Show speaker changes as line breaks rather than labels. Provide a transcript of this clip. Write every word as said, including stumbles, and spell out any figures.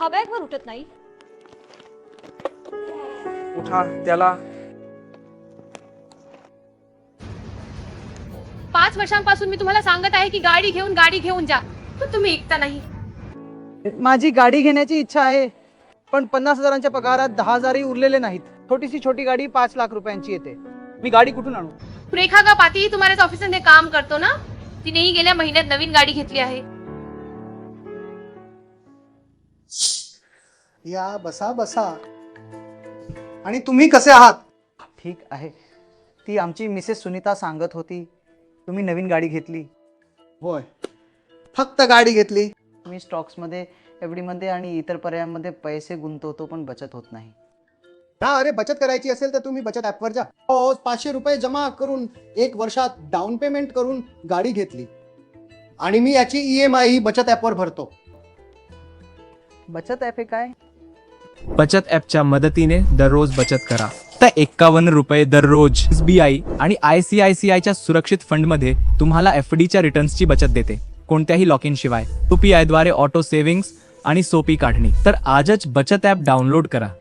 हा बॅगवर उठत नाही.
उठा त्याला.
पाच वर्षांपासून मी तुम्हाला सांगत आहे की गाडी घेऊन गाडी घेऊन जा, पण तुम्ही ऐकता नाही.
माझी गाडी घेण्याची इच्छा आहे, पण पन्नास हजारांच्या पगारात दहा हजारही उरलेले नाहीत. छोटीशी छोटी गाडी पाच लाख रुपयांची येते. मी गाडी कुठून आणू?
रेखा का पाती तुम्हाऱ्याच ऑफिसमध्ये काम करतो ना, तिनेही गेल्या महिन्यात नवीन गाडी घेतली आहे.
या बसा बसा. आणि तुम्ही कसे आहात?
ठीक आहे. ती आमची मिसेस सुनीता सांगत होती तुम्ही नवीन गाडी घेतली.
होय, फक्त गाडी घेतली.
मी स्टॉक्समध्ये एफ डीमध्ये आणि इतर पर्यायांमध्ये पैसे गुंतवतो, पण बचत होत नाही.
हा, अरे बचत करायची असेल तर तुम्ही बचत ॲपवर जा. हो, पाचशे रुपये जमा करून एक वर्षात डाऊन पेमेंट करून गाडी घेतली आणि मी याची ई एम आय ही बचत ॲपवर भरतो.
बचत ॲप हे काय?
बचत ॲपच्या मदतीने दररोज बचत करा. तर एक्कावन्न रुपये दररोज. एस बी आय आणि आय सी आय सी आयच्या सुरक्षित फंडमध्ये तुम्हाला एफ डीच्या रिटर्न्सची बचत देते, कोणत्याही लॉक इन शिवाय. यू पी आय द्वारे ऑटो सेव्हिंग्स आणि सोपी काढणी. तर आजच बचत ॲप डाउनलोड करा.